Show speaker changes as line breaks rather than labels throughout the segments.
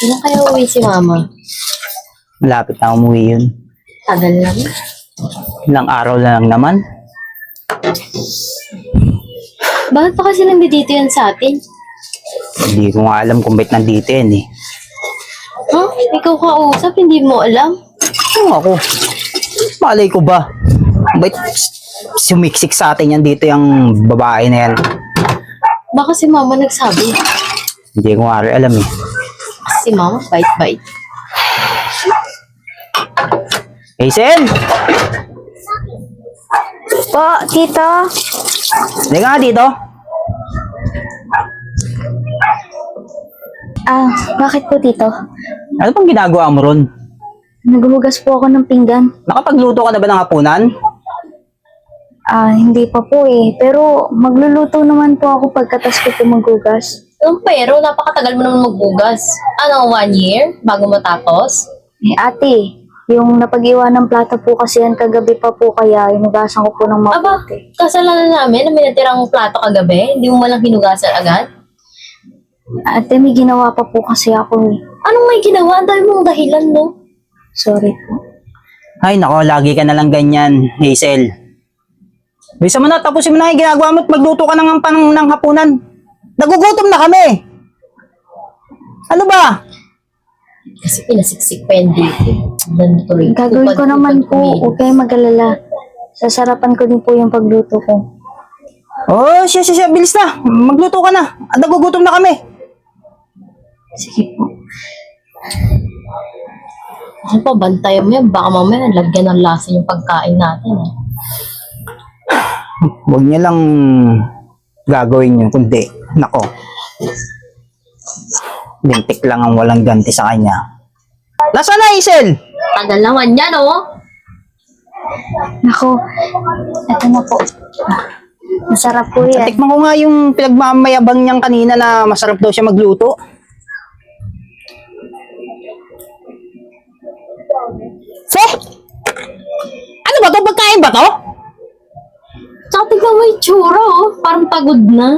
Kailan kaya uwi si mama?
Malapit na umuwi yun.
Tagal lang.
Ilang araw na lang naman.
Bakit pa kasi nandito yan sa atin?
Hindi ko nga alam kung ba't nandito yan eh.
Huh? Ikaw kausap, hindi mo alam?
Ano ako? Malay ko ba? Ba't sumiksik sa atin yan dito yung babae na yan?
Baka si mama nagsabi.
Hindi ko nga rin alam eh.
Si mama, bait-bait.
Hazel!
Po, tito.
Hindi nga dito.
Bakit po, tito?
Ano pang ginagawa mo ron?
Naghuhugas po ako ng pinggan.
Nakapagluto ka na ba ng hapunan?
Hindi pa po eh. Pero magluluto naman po ako pagkatas ko po maghugas.
Pero napakatagal mo naman magbugas. Ano, 1 year? Bago matapos?
Ate, yung napag-iwan ng plata po kasi yan kagabi pa po kaya hinugasan ko po ng
Aba,
mabuti.
kasalanan namin na may natirang plato kagabi. Hindi mo malang hinugasan agad.
Ate, may ginawa pa po kasi ako eh.
Anong may ginawa? Ang dami mong dahilan, no?
Sorry po.
Ay nako, lagi ka na lang ganyan, Hazel. Bisa mo na, tapusin mo na yung ginagawa mo at magluto ka ng hapunan. Nagugutom na kami. Ano ba?
Kasi pinasiksik pa yan dito.
Gagawin ko naman po, huwag kayong mag-alala. Sasarapan ko din po yung pagluto ko.
Oh, siya, bilis na. Magluto ka na. At nagugutom na kami.
Sige po.
Ano pa, bantayan mo yan. Baka mamaya lagyan ng lasa yung pagkain natin.
Huwag niya lang gagawin yun, kundi, nako. Lintik lang ang walang ganti sa kanya. Nasaan na, Hazel?
Tagal naman yan, oh.
Nako, eto na po. Masarap po yan.
Tikman ko nga yung pinagmamayabang niyang kanina na masarap daw siya magluto. Se? Ano ba to? Pagkain ba to?
Tsaka tignan mo yung tsura, oh. Parang pagod na.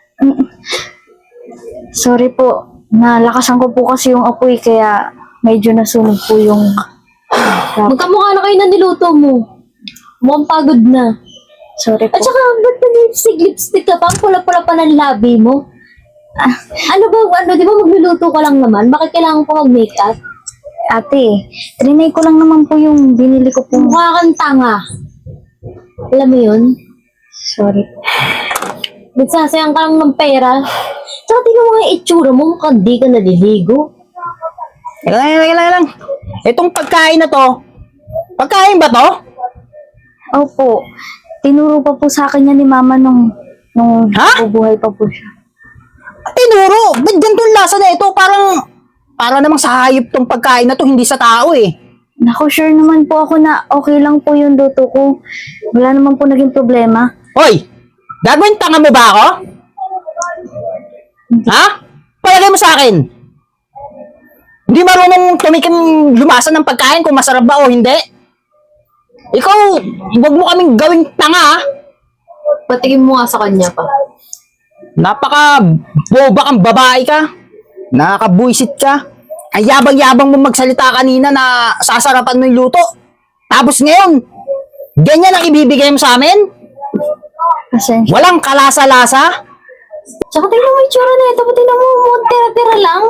Sorry po, nalakasan ko po kasi yung apoy kaya medyo nasunog po yung...
Magkamukha na kayo na niluto mo. Mukhang pagod na.
Sorry po.
At saka, ba't lipstick ka pa? Ang pula-pula pa ng labi mo. Ano ba, di ba magluluto ka lang naman? Bakit kailangan pa mag-makeup?
Ate, trinay ko lang naman po yung binili ko po.
Mukha kang tanga. Alam mo yun?
Sorry po.
Nagsasayang ka lang ng pera. Tsaka tingnan mo nga yung itsura mo, mukhang di ka naliligo.
Teka lang. Itong pagkain na to, pagkain ba to?
Opo, tinuro pa po sa akin yan ni Mama nung
Ha?
bubuhay pa po siya.
Tinuro, ba't ganitong lasa na ito? Para namang sa hayop tong pagkain na to, hindi sa tao eh.
Naku, sure naman po ako na okay lang po yung luto ko. Wala naman po naging problema.
Hoy! Gagawin tanga mo ba ako? Ha? Palagay mo sa akin. Hindi marunong tumikim lumasa ng pagkain kung masarap ba o hindi. Ikaw, huwag mo kaming gawing tanga ha.
Patigin mo nga sa kanya pa.
Napaka-boba kang babae ka. Nakakabuisit ka. Ang yabang-yabang mo magsalita kanina na sasarapan mo yung luto. Tapos ngayon, ganyan ang ibibigay mo sa amin?
Pasensya.
Walang kalasa-lasa?
Tsaka tingnan mo yung tsura na ito. Tingnan mo, tira-tira lang.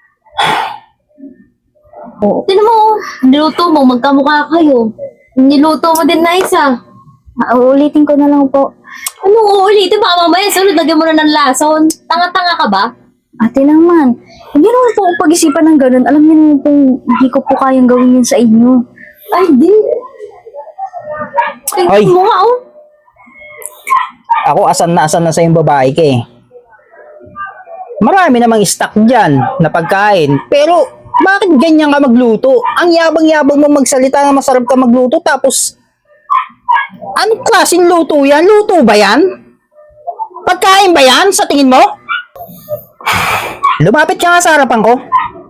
Oo.
Tingnan mo, niluto mo, magkamukha kayo. Niluto mo din na isa.
Uulitin ko na lang po.
Anong uulitin? Baka mamaya sunod, lagyan mo na ng lason. Tanga-tanga ka ba?
Ate naman, hindi naman po ako pag-isipan ng ganun. Alam niyo naman po, hindi ko po kayang gawin yun sa inyo.
Ay, di.
Ay.
Tingnan mo nga, oh.
Ako asan na sa yung babae ka eh. Marami namang stock dyan na pagkain. Pero bakit ganyan ka magluto? Ang yabang-yabang mo magsalita na masarap ka magluto tapos anong klaseng luto yan? Luto ba yan? Pagkain ba yan sa tingin mo? Lumapit ka nga sa harapan ko.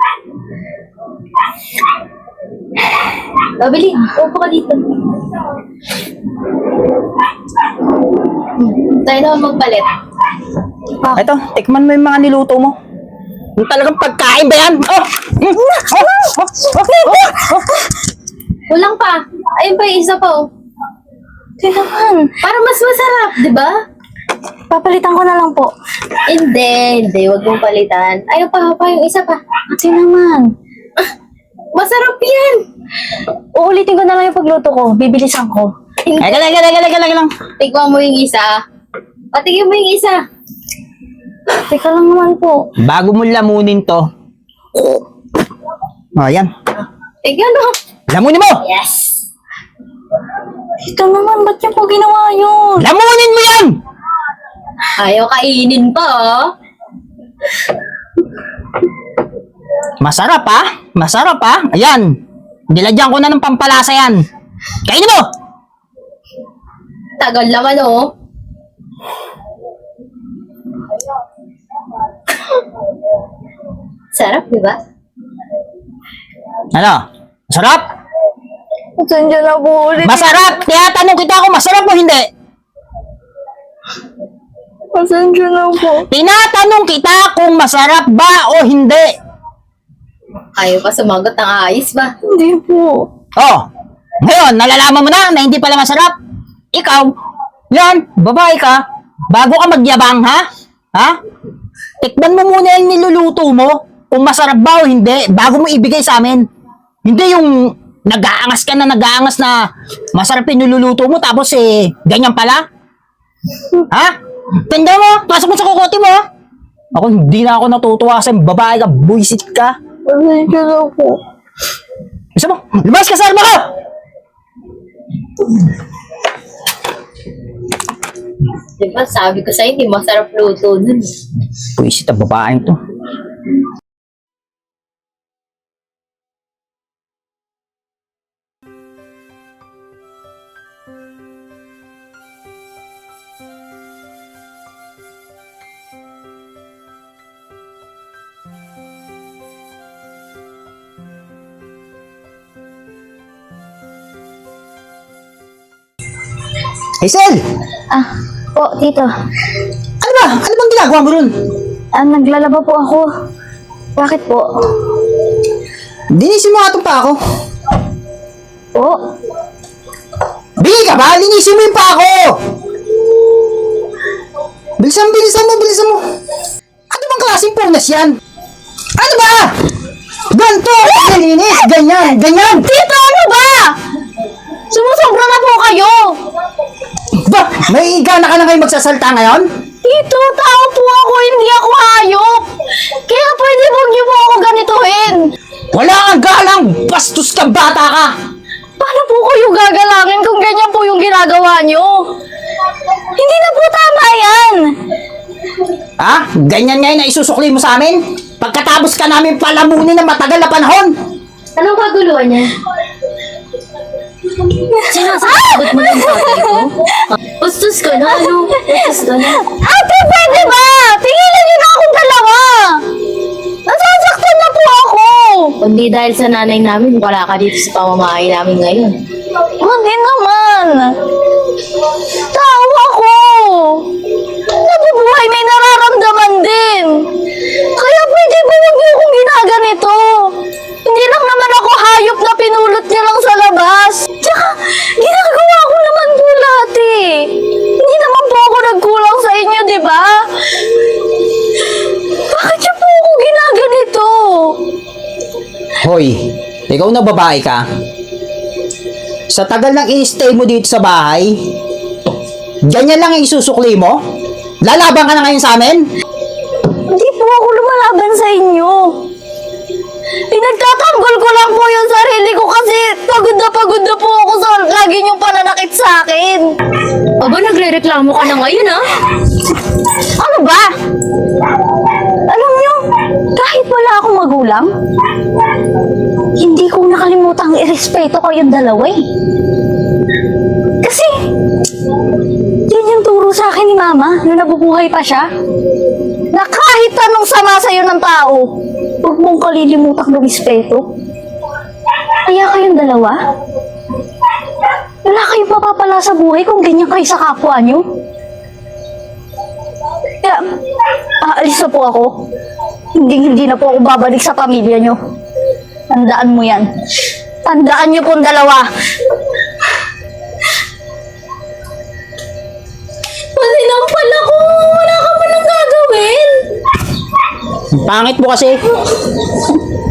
Babili, upo ka dito. Tayo naman magpalit.
Ito, tikman mo yung mga niluto mo. Yung talagang pagkain ba yan? Oh!
Kulang pa. Ayun pa yung isa pa oh.
Hindi naman.
Para mas masarap, di ba?
Papalitan ko na lang po.
Hindi. Huwag mong palitan. Ayun pa yung isa pa.
Ate naman.
Masarap yan.
Uulitin ko na lang yung pagluto ko. Bibilisan ko.
Eka lang.
Tignan mo yung isa. Patigyan mo yung isa.
Teka lang naman po.
Bago mo lamunin to. Oh, yan.
Tignan mo.
Lamunin mo!
Yes.
Ito naman, ba't niyo po ginawa yun?
Lamunin mo yan!
Ayaw kainin pa oh.
Masarap ha? Masarap ha? Ayan. Nilagyan ko na ng pampalasa yan. Kainin mo!
Tagal naman oh. Sarap, di ba?
Ano? Masarap?
Pasensya na po ulit.
Masarap! Tinatanong kita kung masarap o hindi.
Pasensya na po.
Tinatanong kita kung masarap ba o hindi.
Ayaw pa sumagot ng ayos ba?
Hindi po.
Oh, ngayon, nalalaman mo na hindi pala masarap. Ikaw, yan, babae ka, bago ka magyabang, ha? Ha? Tikman mo muna yung niluluto mo, kung masarap ba o hindi, bago mo ibigay sa amin. Hindi yung nag-aangas na masarap yung niluluto mo, tapos ganyan pala. Ha? Tanda mo, pasok mo sa kukote mo. Ako, hindi na ako natutuwa sa babae ka, buisit ka.
Pasensya na po.
Gusto mo? Lumabas ka sa arma ko!
Diba, sabi ko sa'yo, hindi masarap luto dun.
Buisit ang babaeng to. Hazel!
Po, tito.
Ano ba? Ano bang ginagawa mo ron?
Naglalaba po ako. Bakit po?
Linisin mo nga itong pa ako.
Po?
Bili ka ba? Linisin mo yung pa ako! Bilisan mo. Ano bang klaseng punas yan? Ano ba? Ganto! Linis! Ganyan!
Tito, ano ba? Sumusobra na po kayo!
Ba? May gana ka na kayo magsasalta ngayon?
Tito, tao po ako, hindi ako hayop! Kaya pwede huwag niyo po ako ganituhin!
Wala kang galang! Bastos kang bata ka!
Paano po kayo gagalangin kung ganyan po yung ginagawa niyo? Hindi na po tama yan!
Ha? Ganyan ngayon na isusukli mo sa amin? Pagkatapos ka namin palamunin ng matagal na panahon!
Anong kaguluhan niya? Sinasagot mo ng tatay ko? Ustos ko na, ano? Ustos ko na.
Ate, pwede ba? Tingilan niyo na akong dalawa! Nasasaktan na po ako!
Kundi dahil sa nanay namin, wala ka dito sa pamamahay namin ngayon.
Hindi naman! Tao ako! Nabubuhay may nararamdaman din! Kaya pwede ba huwag niyo akong ginaganito? Hindi lang naman ako hayop na pinulot niyo lang sa labas. Tsaka, ginagawa ko naman po lahat eh. Hindi naman po ako nagkulang sa inyo, di ba? Bakit niyo po ako ginaganito?
Hoy, ikaw na babae ka. Sa tagal ng i-stay mo dito sa bahay, ganyan lang ang isusukli mo? Lalaban ka na ngayon sa amin?
Hindi po ako lumalaban sa inyo. Pinagtatanggol ko lang po yung sarili ko kasi pagod na po ako sa lagi niyong pananakit sa akin.
Aba, nagre-reklamo ka na ngayon, ha?
Ano ba? Alam niyo, kahit wala akong magulang, hindi ko nakalimutang irespeto kayong dalawa eh. Kasi, yun yung turo sa akin ni Mama nung nabubuhay pa siya. Na kahit anong sama sa'yo ng tao, huwag mong kalilimutang lumispeto. Kaya kayong dalawa, wala kayong mapapala sa buhay kung ganyan kayo sa kapwa niyo. Kaya, aalis na po ako. hindi na po ako babalik sa pamilya nyo. Tandaan mo yan. Tandaan nyo pong dalawa.
Masinampal ako! Wala ka man lang gagawin!
Ang pangit mo kasi.